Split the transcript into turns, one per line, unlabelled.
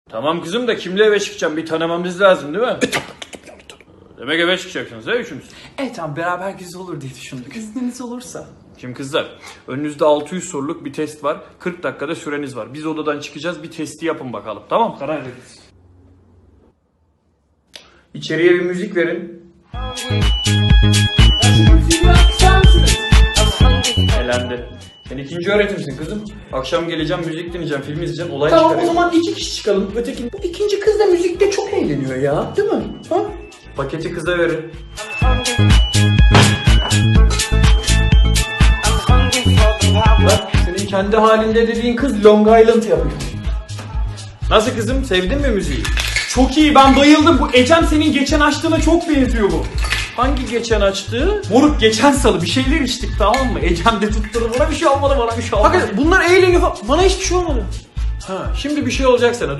Tamam kızım da kimle eve çıkacağım? Bir tanımamız lazım değil mi? Demek eve çıkacaksınız he üçünüz.
Tamam beraber güzel olur diye düşündük. İzniniz olursa.
Şimdi kızlar, önünüzde 600 soruluk bir test var. 40 dakikada süreniz var. Biz odadan çıkacağız, bir testi yapın bakalım. Tamam, karar veririz. İçeriye bir müzik verin. Elendi. Sen ikinci öğretimsin kızım. Akşam geleceğim, müzik dinleyeceğim, film izleyeceğim, olay
Tamam o
çıkaracağım.
zaman 2 kişi çıkalım. Bu ikinci kız da müzikte çok eğleniyor ya. Değil mi? Ha?
Paketi kıza verin.
Bak senin kendi halinde dediğin kız Long Island yapıyor.
Nasıl kızım, sevdin mi müziği?
Çok iyi, ben bayıldım. Bu Ecem senin geçen açtığına çok benziyor bu.
Hangi geçen açtığı?
Moruk geçen salı bir şeyler içtik, tamam mı? Ecem de tutturdu, bana bir şey olmadı, bana bir şey olmadı.
Hakikaten bunlar eğleniyor.
Bana hiçbir şey olmadı.
Ha, şimdi bir şey olacak sana.